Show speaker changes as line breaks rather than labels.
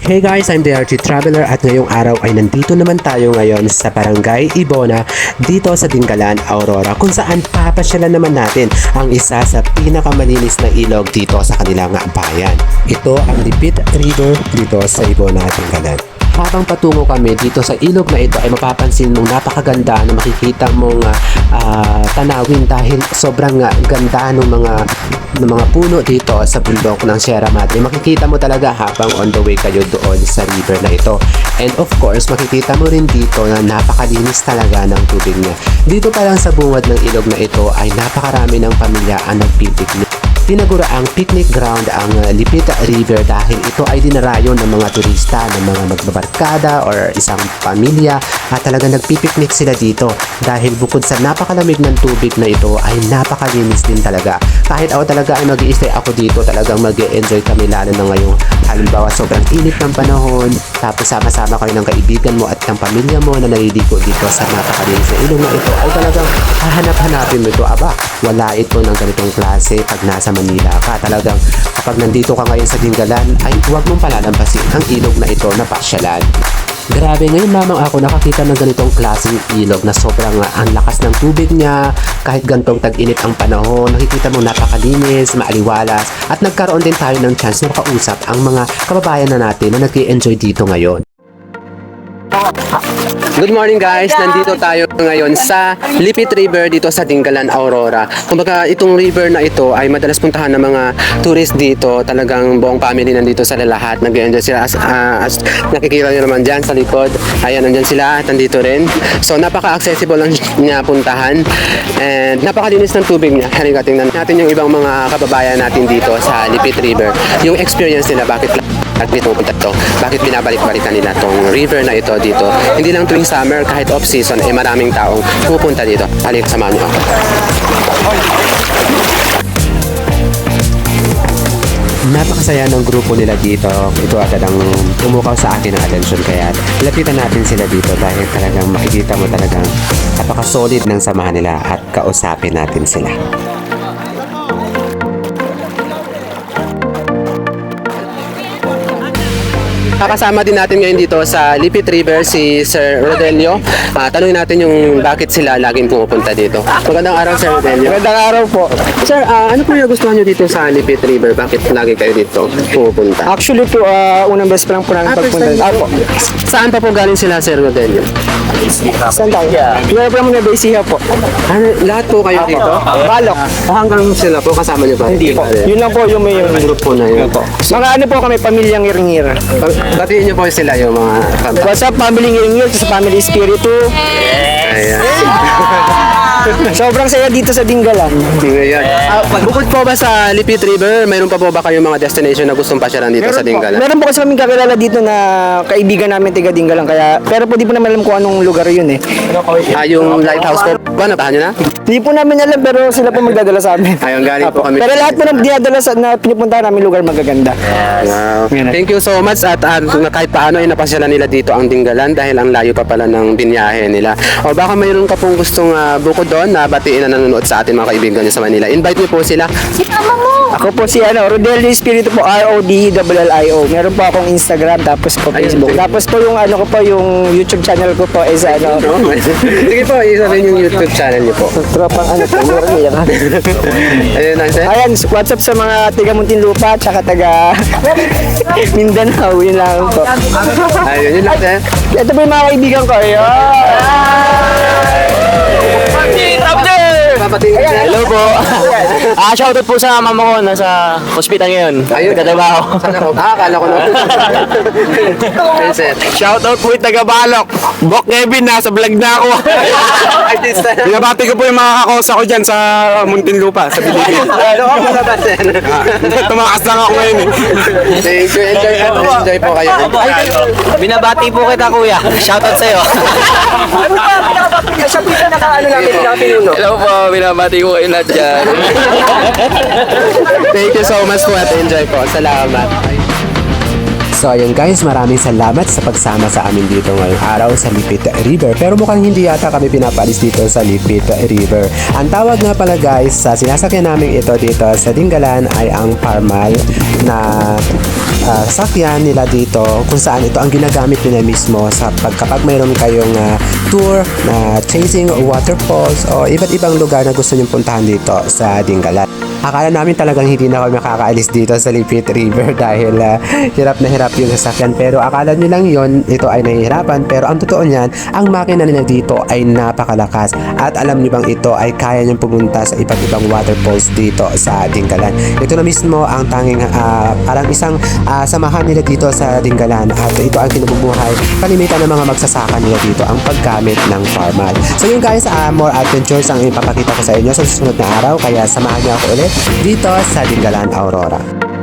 Hey guys, I'm the RG Traveler at ngayong araw ay nandito naman tayo ngayon sa Barangay Ibona dito sa Dingalan, Aurora kung saan papasyalan naman natin ang isa sa pinakamalinis na ilog dito sa kanilang bayan. Ito ang Lipit River dito sa Ibona, Dingalan. Habang patungo kami dito sa ilog na ito ay mapapansin mong napakaganda na makikita mong tanawin dahil sobrang ganda ng mga puno dito sa bundok ng Sierra Madre. Makikita mo talaga habang on the way kayo doon sa river na ito. And of course, makikita mo rin dito na napakalinis talaga ng tubig niya. Dito pa lang sa bungad ng ilog na ito ay napakarami ng pamilya ang nagpipiknik. Tinagura ang picnic ground ang Lipit River dahil ito ay dinarayo ng mga turista, ng mga magbabarkada or isang pamilya at talagang nagpipiknik sila dito dahil bukod sa napakalamig ng tubig na ito ay napakalinis din talaga. Kahit ako talaga ay mag-i-stay ako dito, talagang mag-e-enjoy kami lalo na ngayong halimbawa sobrang init ng panahon tapos sama-sama kayo ng kaibigan mo at ng pamilya mo na naliligo dito sa napakalinis na ilog na ito ay talagang hahanap-hanapin mo ito. Aba, wala ito ng ganitong klase pag nasa Manila ka. Talagang kapag nandito ka ngayon sa Dingalan ay huwag mong palalampasin ang ilog na ito na pasyalan. Grabe, ngayon lamang ako nakakita ng ganitong klaseng ilog na sobrang ang lakas ng tubig niya, kahit gantong tag-init ang panahon, nakikita mo napakalinis, maaliwalas, at nagkaroon din tayo ng chance na makausap ang mga kababayan na natin na nag-i-enjoy dito ngayon. Good morning guys! Nandito tayo ngayon sa Lipit River dito sa Dingalan, Aurora. Kumbaga itong river na ito ay madalas puntahan ng mga tourist dito. Talagang buong family nandito sa lahat. Nag-enjoy sila as nakikita nyo naman dyan sa likod. Ayan, nandyan sila at nandito rin. So napaka-accessible lang niya puntahan. And napakalinis ng tubig niya. Halika tingnan natin yung ibang mga kababayan natin dito sa Lipit River. Yung experience nila, bakit pupunta to, bakit binabalik-balikan nila tong river na ito dito. Hindi lang tuwing summer, kahit off-season, eh maraming taong pupunta dito. Halika, samahan nyo ako. Napakasaya ng grupo nila dito. Ito agad ang umukaw sa akin ng atensyon kaya lapitan natin sila dito dahil talagang makikita mo talagang napaka-solid ng samahan nila at kausapin natin sila. Kasama din natin ngayon dito sa Lipit River si Sir Rodelio. Tanungin natin yung bakit sila laging pumupunta dito. Magandang araw, Sir Rodelio.
Magandang araw po.
Sir, ano po yung gusto nyo dito sa Lipit River? Bakit lagi kayo dito pumupunta?
Actually po, unang beses pa lang po namin pagpunta.
Po. Saan pa po galing sila, Sir Rodelio?
Saan tayo? Meron po naman na Basiha po.
Lahat po kayo dito?
Balok.
Hanggang sila po, kasama nyo ba?
Hindi po. Yun lang po yung may
group po na yun.
Mga ano po kami, pamilyang Iringir.
Batiin nyo po sila yung mga
What's up, family Iringir, sa family Spiritu.
Ayan.
Sobrang saya dito sa Dingalan.
Ayan. Bukod po ba sa Lipit River, mayroon pa po ba kayong mga destination na gustong pasyalan dito sa Dingalan?
Meron po kasi kaming kakilala dito na kaibigan namin tiga Dingalan. Kaya, pero po di po naman alam kung anong lugar yun eh.
Yung lighthouse po ba? Nabahan nyo na?
Di po namin alam pero sila po magdadala sa amin.
Ayun, galing po kami.
Pero lahat po na dinadala na pinupuntahan namin lugar magaganda.
Wow. Thank you so much at kahit paano ay napasyalan nila dito ang Dingalan dahil ang layo pa pala ng binyahe nila. O baka mayroon ka pong gustong bukod doon na batiin na nanonood sa atin mga kaibigan niyo sa Manila. Invite niyo po sila.
Ako po si Rodelio Espiritu po, RODLLIO. Meron po akong Instagram tapos po Facebook. Tapos po yung ko po yung YouTube channel ko po is
Sige po, isabihin yung YouTube channel niyo po.
Tropang po, meron yan.
Ayun lang, sir.
Ayan, what's up sa mga taga Muntinlupa tsaka taga Mindanao, yun lang po.
Ayun, yun lang, sir.
Ito po yung mga kaibigan ko.
Hello po.
Shoutout po sa mama ko, nasa hospital ngayon.
Ayun.
Nagtatrabaho.
Sana ko. Akala ko na. Ayun, sir.
Shoutout po yung taga-Balok. Bok Kevin, nasa vlog na ako.
Artista.
Binabati ko po yung mga kakosa ko dyan sa Muntinlupa, sa Bilibid.
Ano ka pala ba, sir?
Tumakas lang ako ngayon eh.
Thank you. Enjoy po kayo.
Binabati po kita kuya. Shoutout sa'yo.
Siya po yung naka-pinuno.
Hello po, binabati ko kayo lahat dyan.
Thank you so much po at enjoy po. Salamat. So ayun guys, maraming salamat sa pagsama sa amin dito ngayong araw sa Lipit River. Pero mukhang hindi yata kami pinapalis dito sa Lipit River. Ang tawag nga pala guys sa sinasakyan namin ito dito sa Dingalan ay ang Parmal na sakyan nila dito, kung saan ito ang ginagamit nila mismo sa kapag mayroon kayong tour na chasing waterfalls o iba't ibang lugar na gusto nyong puntahan dito sa Dingalan. Akala namin talagang hindi na kami makakaalis dito sa Lipit River dahil hirap na hirap yung sasakyan, pero akala nyo lang yon, ito ay nahihirapan, pero ang totoo niyan, ang makina nila dito ay napakalakas at alam nyo bang ito ay kaya nyong pumunta sa iba't ibang waterfalls dito sa Dingalan. Ito na mismo ang tanging parang isang samahan nila dito sa Dingalan at ito ang kinububuhay kalimitan ng mga magsasaka nila dito ang paggamit ng Parmal. So yun guys, more adventures ang ipapakita ko sa inyo sa susunod na araw, kaya samahan niyo ako ulit dito sa Dingalan, Aurora.